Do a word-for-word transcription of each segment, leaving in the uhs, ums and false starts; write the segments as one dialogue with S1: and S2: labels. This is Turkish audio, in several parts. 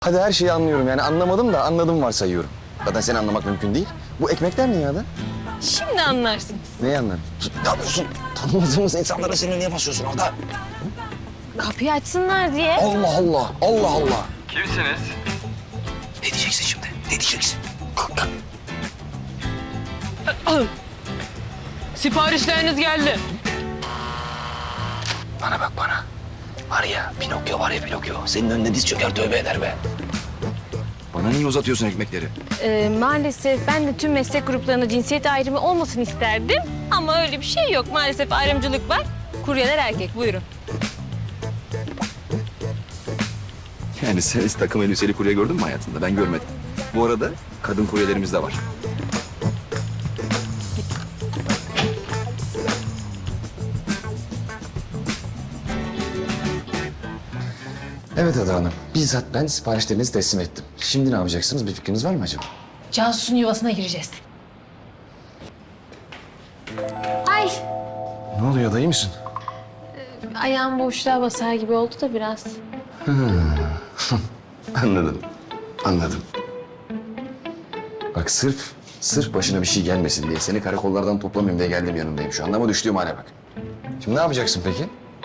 S1: Hadi her şeyi anlıyorum yani anlamadım da anladım varsayıyorum. Zaten seni anlamak mümkün değil. Bu ekmekler ne ya da?
S2: Şimdi anlarsınız.
S1: Neyi anladın? Ne yapıyorsun? Tanımadığımız insanlara seni niye basıyorsun orada?
S2: Kapıyı açsınlar diye.
S1: Allah Allah, Allah Allah.
S3: Kimsiniz?
S1: Ne diyeceksin şimdi? Ne diyeceksin? Kalk kalk.
S2: Siparişleriniz geldi.
S1: Bana bak bana. Var ya Pinokyo var ya Pinokyo. Senin önüne diz çöker tövbe eder be. Bana niye uzatıyorsun ekmekleri?
S2: Ee, maalesef ben de tüm meslek gruplarında cinsiyet ayrımı olmasın isterdim. Ama öyle bir şey yok. Maalesef ayrımcılık var. Kuryeler erkek. Buyurun.
S1: Yani sen hiç takım elbiseli kurye gördün mü hayatında? Ben görmedim. Bu arada kadın kuryelerimiz de var. Evet Ada Hanım. Bizzat ben siparişlerinizi teslim ettim. Şimdi ne yapacaksınız? Bir fikriniz var mı acaba?
S2: Cansu'nun yuvasına gireceğiz. Ay,
S1: Ne oluyor? Dayı mısın?
S2: ayağım boşluğa basar gibi oldu da biraz.
S1: Anladım. Anladım. Bak sırf, sırf başına bir şey gelmesin diye seni karakollardan toplamayayım diye geldim yanındayım şu anda ama düştüğüm hale bak. Şimdi ne yapacaksın peki?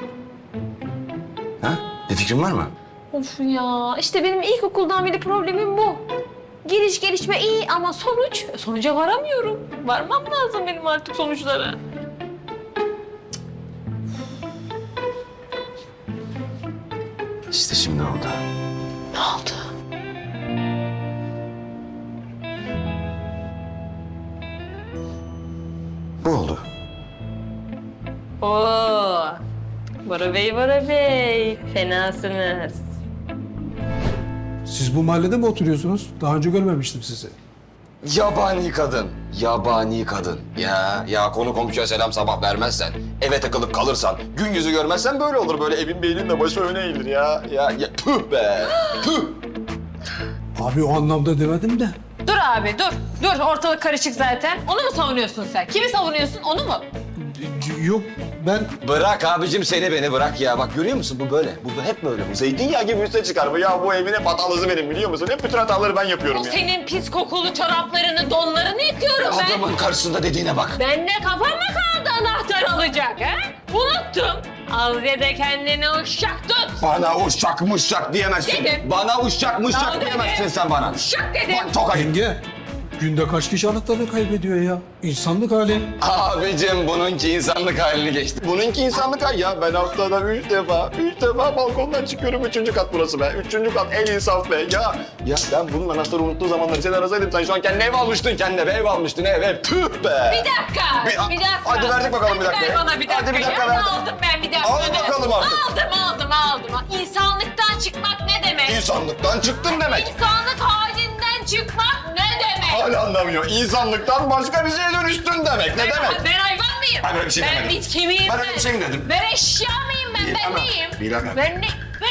S1: Ha? Bir fikrin var mı?
S2: Of ya, işte benim ilkokuldan beri problemim bu. Giriş gelişme iyi ama sonuç, sonuca varamıyorum. Varmam lazım benim artık sonuçlara.
S1: İşte şimdi oldu.
S2: Ne oldu?
S1: Bu oldu.
S2: Oo, Bora Bey, Bora Bey, fenasınız.
S4: Siz bu mahallede mi oturuyorsunuz? Daha önce görmemiştim sizi.
S1: Yabani kadın. Yabani kadın. Ya ya konu komşuya selam sabah vermezsen, eve takılıp kalırsan, gün yüzü görmezsen böyle olur. Böyle evin beynin de başı öne eğilir ya. Ya, ya tüh be. Tüh.
S4: Abi o anlamda demedim de.
S2: Dur abi, dur. Dur, ortalık karışık zaten. Onu mu savunuyorsun sen? Kimi savunuyorsun, onu mu?
S4: Yok ben
S1: Bırak abicim seni beni bırak ya. Bak görüyor musun bu böyle. Bu hep böyle. Bu zeytinyağı gibi üste çıkar bu. Ya bu evin hep hatalısı benim biliyor musun? Hep bütün hataları ben yapıyorum
S2: O
S1: ya.
S2: senin pis kokulu çoraplarını, donlarını yıkıyorum ben.
S1: Adamın karşısında dediğine bak.
S2: Ben de kafama kaldı anahtar alacak ha? Unuttum. Al ya da kendine uşak tut.
S1: Bana uşak mışak diyemezsin.
S2: Dedim.
S1: Bana uşak mışak
S2: Tamam dedim.
S1: diyemezsin sen bana.
S2: Uşak dedim.
S1: Bak tokayım.
S4: yenge. Günde kaç kişi anahtarını kaybediyor ya? İnsanlık hali.
S1: Abicim bununki insanlık halini geçti. Bununki insanlık hali ya. Ben haftada üç defa, üç defa balkondan çıkıyorum. Üçüncü kat burası be. Üçüncü kat en insaf be. Ya ya ben bunun anahtarı unuttuğu zamanları seni arasaydım. Sen şu an kendine ev almıştın kendine. Ev almıştın ev ev. Tüh be.
S2: Bir dakika,
S1: Bir-
S2: bir, dakika.
S1: hadi verdik bakalım bir
S2: Hadi
S1: dakika
S2: ver
S1: ya.
S2: bana bir dakika.
S1: Hadi bir dakika
S2: ya.
S1: ver.
S2: Aldım ben bir dakika.
S1: Al bakalım artık.
S2: Aldım, aldım, aldım. İnsanlıktan çıkmak ne demek?
S1: İnsanlıktan çıktım demek.
S2: İnsanlık halinden çıkmak ne demek?
S1: Hala anlamıyor. İnsanlıktan başka bir şeye dönüştün demek. Ne
S2: Ben,
S1: demek?
S2: ben hayvan mıyım?
S1: Ben öyle bir şey
S2: ben
S1: demedim.
S2: bitki miyim
S1: Ben öyle bir şey mi dedim?
S2: Ben eşya mıyım ben?
S1: Bilemem,
S2: Ben neyim?
S1: bilemem.
S2: Ben ne? Ben...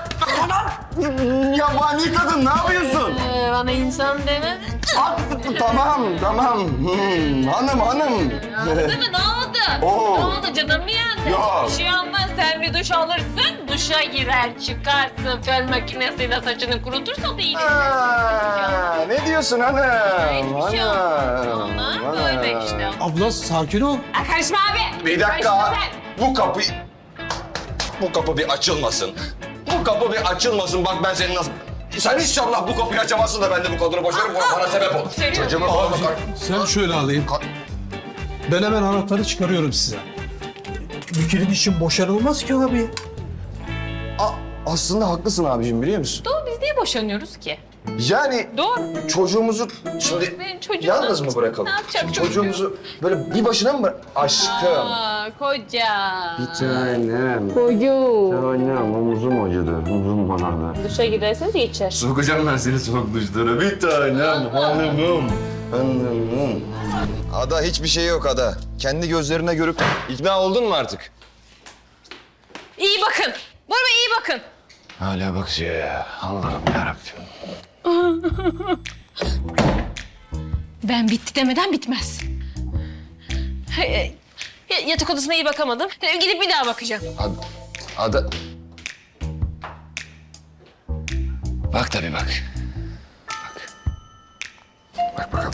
S1: Yabani kadın ne yapıyorsun?
S2: Ee, bana insan demedin.
S1: Ah, tamam tamam. Hmm, hanım hanım.
S2: Değil mi? Ne oldu?
S1: Oo.
S2: Ne oldu? Canım mı yandı?
S1: Yok.
S2: Bir şey olmaz. Sen bir duş alırsın, duşa girer, çıkarsın. Fön makinesiyle saçını kurutursa da iyi.
S1: Aa, ne diyorsun hanım?
S2: Hiçbir şey olmaz. Ona böyle işte.
S4: Abla sakin ol.
S2: Aa, karışma abi.
S1: Bir dakika.
S2: Karışma sen.
S1: Bu kapı... Bu kapı bir açılmasın. Bu kapı bir açılmasın. Bak ben seni nasıl... Sen inşallah bu kapıyı açamazsın da ben de bu kadını boşarım. Bu bana sebep olur.
S2: Seviyorum.
S1: Çocuğuma falan bakar.
S4: Sen şöyle alayım.
S1: Ka-
S4: Ben hemen anahtarı çıkarıyorum size. Bir kilit için boşanılmaz ki abi.
S1: A- aslında haklısın abicim biliyor musun?
S2: Doğru, biz niye boşanıyoruz ki?
S1: Yani
S2: Doğru.
S1: çocuğumuzu şimdi
S2: Benim çocuğum
S1: yalnız
S2: ne
S1: mı bırakalım?
S2: Ne yapacak
S1: Şimdi
S2: çocuğum?
S1: çocuğumuzu böyle bir başına mı bırak? Aşkım.
S2: Aa, koca.
S1: Tanem.
S2: Koyu.
S1: Tanem omuzum acıdı. Omuzum bana.
S2: Duşa girerseniz geçer.
S1: Sokacağım ben seni soğuk duşlara. Bir tanem hanımım. Hanımım. Ada hiçbir şey yok Ada. Kendi gözlerine görüp ikna oldun mu artık?
S2: İyi bakın. Bora Bey iyi bakın.
S1: Hala bakıyor ya. Allah'ım yarabbim.
S2: Ben bitti demeden bitmez. Hey, e, Yatak odasına iyi bakamadım. E, Gidip bir daha bakacağım.
S1: Ada... Ada... Bak tabii bak. Bak. Bak bakalım.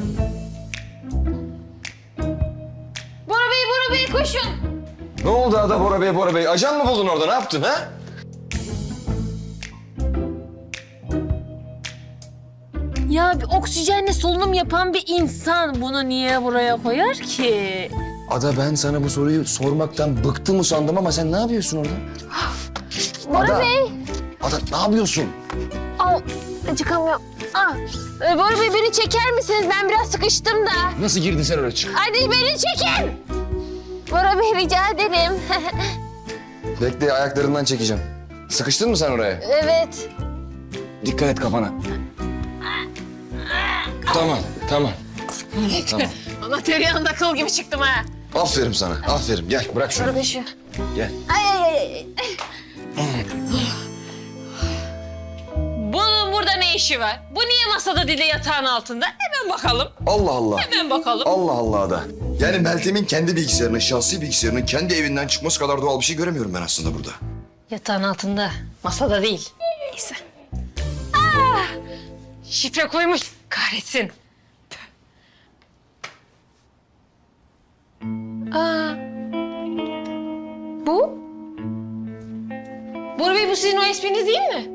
S2: Bora Bey, Bora Bey koşun.
S1: Ne oldu Ada Bora Bey, Bora Bey? Ajan mı buldun orada? Ne yaptın ha?
S2: Ya bir oksijenle solunum yapan bir insan bunu niye buraya koyar ki?
S1: Ada ben sana bu soruyu sormaktan bıktım usandım ama sen ne yapıyorsun orada?
S2: Bora
S1: Ada.
S2: Bey.
S1: Ada ne yapıyorsun?
S2: Al, çıkamıyorum. Ah, e, Bora Bey beni çeker misiniz? Ben biraz sıkıştım da.
S1: Nasıl girdin sen oraya çık?
S2: Hadi beni çekin. Bora Bey rica ederim.
S1: Bekle ayaklarından çekeceğim. Sıkıştın mı sen oraya?
S2: Evet.
S1: Dikkat et kafana. Tamam, tamam. Tamam.
S2: Ama tereyağında kıl gibi çıktım ha.
S1: Aferin sana, aferin. Gel bırak şunu.
S2: Bora Bey şu.
S1: Gel.
S2: Ay ay ay. ay. Bunun burada ne işi var? Bu niye masada değil de yatağın altında? Hemen bakalım.
S1: Allah Allah.
S2: Hemen bakalım.
S1: Allah Allah Ada. Yani Meltem'in kendi bilgisayarının, şahsi bilgisayarının kendi evinden çıkması kadar doğal bir şey göremiyorum ben aslında burada.
S2: Yatağın altında, masada değil. Neyse. Ah! Şifre koymuş. Kahretsin. Aa. Bu? Bora Bey bu sizin o espriniz değil mi?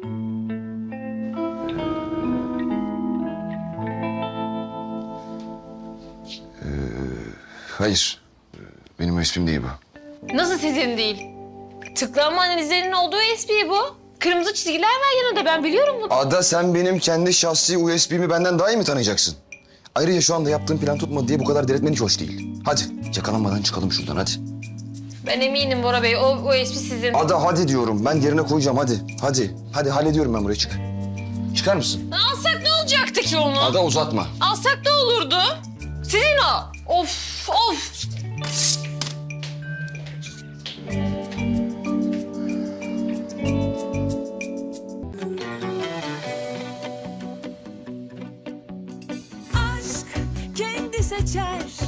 S1: Hayır. Benim o ismim değil bu.
S2: Nasıl sizin değil? Tıklanma analizlerinin olduğu espri bu. Kırmızı çizgiler var yanında, ben biliyorum bunu.
S1: Ada sen benim kendi şahsi U S B'mi benden daha iyi mi tanıyacaksın? Ayrıca şu anda yaptığım plan tutmadı diye bu kadar delirtmen hiç hoş değil. Hadi yakalanmadan çıkalım şuradan hadi.
S2: Ben eminim Bora Bey, o, o espri sizin.
S1: Ada hadi diyorum ben yerine koyacağım hadi. Hadi. Hadi hallediyorum ben buraya çık. Çıkar mısın?
S2: Alsak ne olacaktı ki onu?
S1: Ada uzatma.
S2: Alsak ne olurdu? Sizin o. Of, of.
S3: Aşk kendi seçer